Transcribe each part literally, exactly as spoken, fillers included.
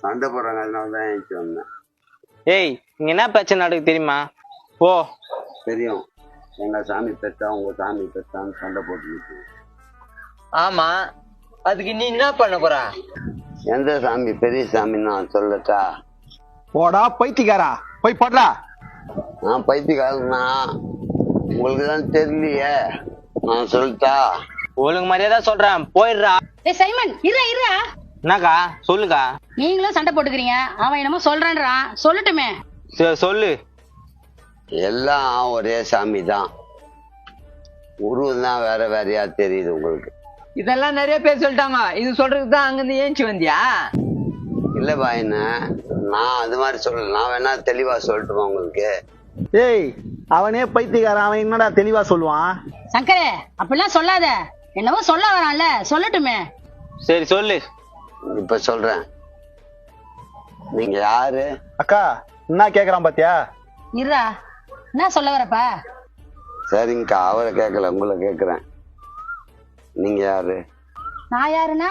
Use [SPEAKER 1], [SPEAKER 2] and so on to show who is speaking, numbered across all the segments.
[SPEAKER 1] சண்டை போடுறாங்க, அதனால தான் ஏஞ்சி வந்தேன்.
[SPEAKER 2] ஏய், இங்க என்ன பிரச்சனை நடக்கு தெரியுமா? போ.
[SPEAKER 1] தெரியும், எங்க சாமி பெத்தா உங்க சாமி பெத்தான்னு சண்டை போட்டு.
[SPEAKER 3] ஆமா, அதுக்கு நீ என்ன பண்ண போற?
[SPEAKER 1] எந்த சாமி பெரிய சாமின்னு நான் சொல்லட்டா?
[SPEAKER 4] போடா பைத்தியக்காரா, போய் போடுறா.
[SPEAKER 1] நான் பைத்தியக்காரனா? உங்களுக்கு தான் தெரியலையே, நான் சொல்லட்டா?
[SPEAKER 2] ஒழுங்கு மரியாதை சொல்றேன், போயிடுறா.
[SPEAKER 5] ஏய் சைமன், இருடா இருடா.
[SPEAKER 2] என்னக்கா சொல்லுக்கா?
[SPEAKER 5] நீங்களும் சண்டை போட்டுக்கிறீங்க, அவன் என்னமோ சொல்றான்றான், சொல்லட்டுமே.
[SPEAKER 2] சரி சொல்லு.
[SPEAKER 1] எல்லாம் ஒரே சாமி தான், உருவம் தான் வேற வேறையா தெரியுது உங்களுக்கு.
[SPEAKER 3] இதெல்லாம் நிறைய பேர் சொல்லிட்டாங்க, இது சொல்றதுக்கு தான் அங்கிருந்து ஏஞ்சி வந்தியா?
[SPEAKER 1] இல்ல பாயின, நான் அது மாதிரி சொல்லல, நான் வேணா தெளிவா சொல்லட்டுமா உங்களுக்கு?
[SPEAKER 4] ஏய், அவனே பைத்தியக்காரன், அவன் என்னடா தெளிவா சொல்லுவான்?
[SPEAKER 5] சங்கரே, அப்படிலாம் சொல்லாத, என்னவோ சொல்ல வரான்ல, சொல்லட்டுமே.
[SPEAKER 2] சரி சொல்லு.
[SPEAKER 1] இப்ப சொல்றேன். நீங்க யாரு?
[SPEAKER 4] அக்கா என்ன கேக்குறான் பாத்தியா?
[SPEAKER 5] இருடா, என்ன சொல்ல வரப்பா?
[SPEAKER 1] சரிங்கக்கா, அவரை கேட்கல, உங்களை கேக்குறேன். நீங்க யாரு?
[SPEAKER 5] நான் யாருன்னா?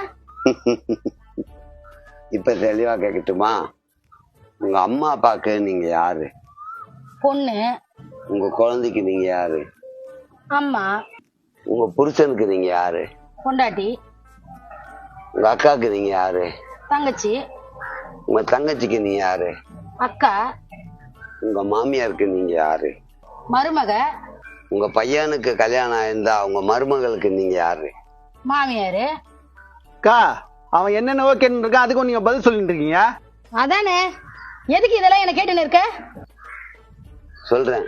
[SPEAKER 1] இப்ப தெளிவா கேட்கட்டுமா? உங்க அம்மா அப்பாக்கு நீங்க யாரு?
[SPEAKER 5] பொண்ணு.
[SPEAKER 1] உங்க குழந்தைக்கு நீங்க யாரு?
[SPEAKER 5] அம்மா.
[SPEAKER 1] உங்க புருஷனுக்கு நீங்க யாரு?
[SPEAKER 5] பொண்டாட்டி.
[SPEAKER 1] உங்க அக்காவுக்கு நீங்க யாரு?
[SPEAKER 5] தங்கச்சி.
[SPEAKER 1] உங்க தங்கச்சிக்கு நீங்க யாரு?
[SPEAKER 5] அக்கா.
[SPEAKER 1] உங்க மாமியாருக்கு நீங்க யாரு?
[SPEAKER 5] மருமக.
[SPEAKER 1] உங்க பையனுக்கு கல்யாணம் ஆயிருந்தா உங்க மருமகளுக்கு நீங்க யாரு?
[SPEAKER 5] மாமியாரு.
[SPEAKER 4] அக்கா, அவன் என்னென்னவோ கேட்டு இருக்கான், அதுக்கும் நீங்க பதில் சொல்லிட்டு இருக்கீங்க.
[SPEAKER 5] அதானே, எதுக்கு இதெல்லாம் என்ன கேட்டுன்னு இருக்க?
[SPEAKER 1] சொல்றேன்.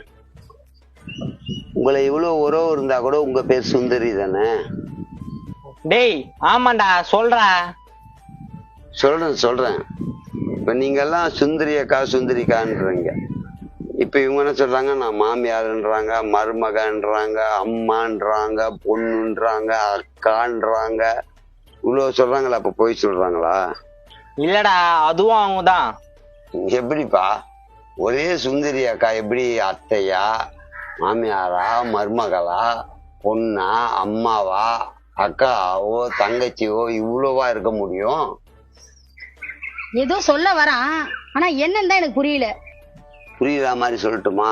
[SPEAKER 1] உங்களை இவ்வளவு உறவு இருந்தா கூட உங்க பேர் சுந்தரி தானே?
[SPEAKER 2] டேய் ஆமாண்டா, சொல்றா.
[SPEAKER 1] சொல்றேன் சொல்றேன் இப்ப நீங்க எல்லாம் சுந்தரியக்கா சுந்தரிக்கான்றீங்க. இப்ப இவங்க என்ன சொல்றாங்க? நான் மாமியாருன்றாங்க, மருமகன்றாங்க, அம்மான்றாங்க, பொண்ணுன்றாங்க, அக்கான்றாங்க. இவ்வளவு சொல்றாங்களா? அப்ப போய் சொல்றாங்களா?
[SPEAKER 2] இல்லடா, அதுவும் அவங்கதான்.
[SPEAKER 1] எப்படிப்பா ஒரே சுந்தரி அக்கா எப்படி அத்தையா, மாமியாரா, மருமகளா, பொண்ணா, அம்மாவா, அக்காவோ, தங்கச்சியோ இவ்வளவா இருக்க முடியும்?
[SPEAKER 5] ஏதோ சொல்ல வரான், ஆனா என்னன்னு தான் எனக்கு புரியல.
[SPEAKER 1] புரியுற மாதிரி சொல்லட்டுமா?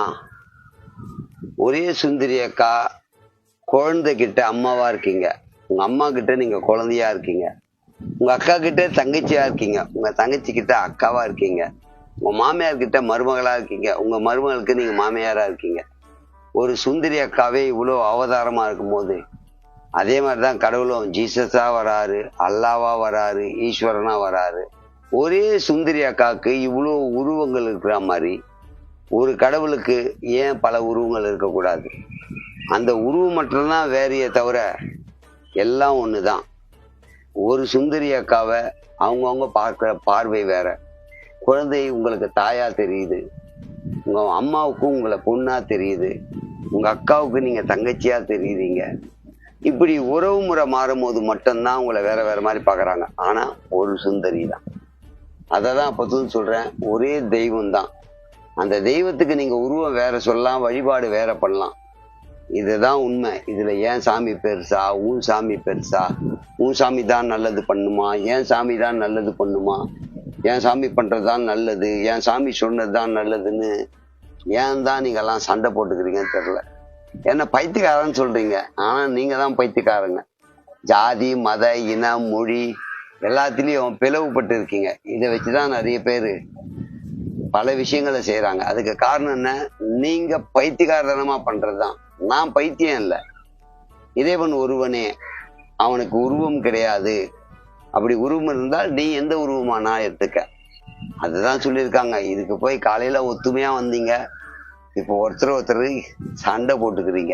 [SPEAKER 1] ஒரே சுந்தரி அக்கா குழந்தைகிட்ட அம்மாவா இருக்கீங்க, உங்க அம்மா கிட்ட நீங்க குழந்தையா இருக்கீங்க, உங்க அக்கா கிட்ட தங்கச்சியா இருக்கீங்க, உங்க தங்கச்சி கிட்ட அக்காவா இருக்கீங்க, உங்க மாமியார் கிட்ட மருமகளா இருக்கீங்க, உங்க மருமகளுக்கு நீங்க மாமியாரா இருக்கீங்க. ஒரு சுந்தரி அக்காவே இவ்வளவு அவதாரமா இருக்கும் போது, அதே மாதிரிதான் கடவுளும் ஜீசஸா வராரு, அல்லாவா வராரு, ஈஸ்வரனா வராரு. ஒரே சுந்தரி அக்காவுக்கு இவ்வளவு உருவங்கள் இருக்கிற மாதிரி ஒரு கடவுளுக்கு ஏன் பல உருவங்கள் இருக்கக்கூடாது? அந்த உருவம் மட்டும்தான் வேறையே தவிர எல்லாம் ஒண்ணுதான். ஒரு சுந்தரி அக்காவை அவங்கவுங்க பார்க்கிற பார்வை வேற. குழந்தை உங்களுக்கு தாயா தெரியுது, உங்க அம்மாவுக்கும் உங்களை பொண்ணா தெரியுது, உங்க அக்காவுக்கு நீங்க தங்கச்சியா தெரியுறீங்க. இப்படி உறவு முறை மாறும் போது மட்டும்தான் உங்களை வேற வேற மாதிரி பாக்குறாங்க. ஆனா ஒரு சுந்தரி தான். அததான் அப்போதும் சொல்றேன், ஒரே தெய்வம் தான். அந்த தெய்வத்துக்கு நீங்க உருவம் வேற சொல்லலாம், வழிபாடு வேற பண்ணலாம். இதுதான் உண்மை. இதுல ஏன் சாமி பெருசா, உன் சாமி பெருசா, உன் சாமி தான் நல்லது பண்ணுமா, ஏன் சாமி தான் நல்லது பண்ணுமா, என் சாமி பண்றதுதான் நல்லது, என் சாமி சொன்னதுதான் நல்லதுன்னு ஏன் தான் நீங்க எல்லாம் சண்டை போட்டுக்கிறீங்கன்னு தெரியல. என்ன பைத்தியக்காரன்னு சொல்றீங்க, ஆனா நீங்க தான் பைத்தியக்காரங்க. ஜாதி, மத, இனம், மொழி எல்லாத்திலையும் பிளவுபட்டு இருக்கீங்க. இதை வச்சுதான் நிறைய பேரு பல விஷயங்களை செய்யறாங்க. அதுக்கு காரணம் என்ன? நீங்க பைத்தியக்காரத்தனமா பண்றதுதான். நான் பைத்தியம் இல்லை, இறைவன் ஒருவனே, அவனுக்கு உருவம் கிடையாது. அப்படி உருவம் இருந்தால் நீ எந்த உருவமானா எடுத்துக்க. அதுதான் சொல்லியிருக்காங்க. இதுக்கு போய் காலையில ஒத்துமையா வந்தீங்க, இப்போ ஒருத்தர் ஒருத்தர் சண்டை போட்டுக்கிறீங்க.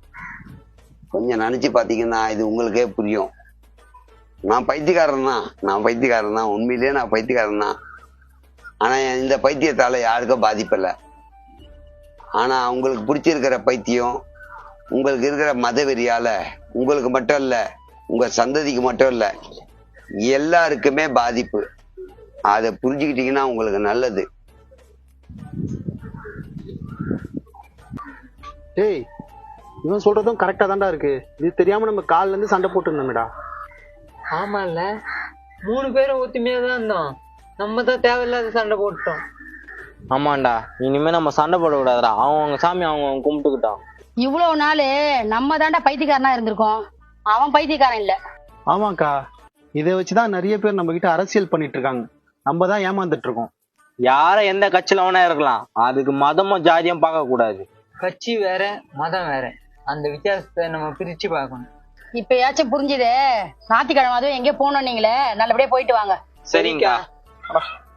[SPEAKER 1] கொஞ்சம் நினைச்சு பாத்தீங்கன்னா இது உங்களுக்கே புரியும். நான் பைத்தியக்காரன் தான், நான் பைத்தியக்காரன் தான், உண்மையிலேயே நான் பைத்தியக்காரன் தான். ஆனா இந்த பைத்தியத்தால யாருக்கும் பாதிப்பில்லை. ஆனா உங்களுக்கு பிடிச்சிருக்கிற பைத்தியம், உங்களுக்கு இருக்கிற மதவெறியால உங்களுக்கு மட்டும் இல்ல, உங்க சந்ததிக்கு மட்டும் இல்ல, எல்லாருக்குமே பாதிப்பு. அதை புரிஞ்சுக்கிட்டீங்கன்னா உங்களுக்கு நல்லது.
[SPEAKER 4] ஏய், இவன் சொல்றதும் கரெக்டா தான்டா இருக்கு. இது தெரியாம நம்ம கால்ல இருந்து சண்டை போட்டு இருந்தோம்டா.
[SPEAKER 3] ஆமா இல்ல, மூணு பேரும் ஒத்துமையா தான் இருந்தோம். நம்ம தான் தேவையில்லாத சண்டை போட்டோம்.
[SPEAKER 2] ஆமாண்டா, இனிமே நம்ம சண்டை போடக்கூடாதுடா. அவங்க அவங்க சாமி அவங்க அவங்க கும்பிட்டுக்கிட்டான்.
[SPEAKER 5] இவ்வளவு நாள் நம்ம தாண்டா பைத்தியக்காரனா இருந்திருக்கோம், அவன் பைத்தியக்காரன் இல்ல.
[SPEAKER 4] ஆமாக்கா, இதை வச்சுதான் நிறைய பேர் நம்ம கிட்ட அரசியல் பண்ணிட்டு இருக்காங்க. நம்ம தான் ஏமாந்துட்டு இருக்கோம்.
[SPEAKER 2] யார எந்த கட்சியில வேணா இருக்கலாம், அதுக்கு மதமும் ஜாதியும் பார்க்க கூடாது.
[SPEAKER 3] கட்சி வேற மதம் வேற, அந்த வித்தியாசத்தை நம்ம பிரிச்சு பார்க்கணும்.
[SPEAKER 5] இப்பயாச்சும் புரிஞ்சுதே. ஞாயிற்றுக்கிழமை அதுவும் எங்கேயோ போகணும், நீங்களே நல்லபடியா போயிட்டு வாங்க.
[SPEAKER 2] சரிங்கக்கா.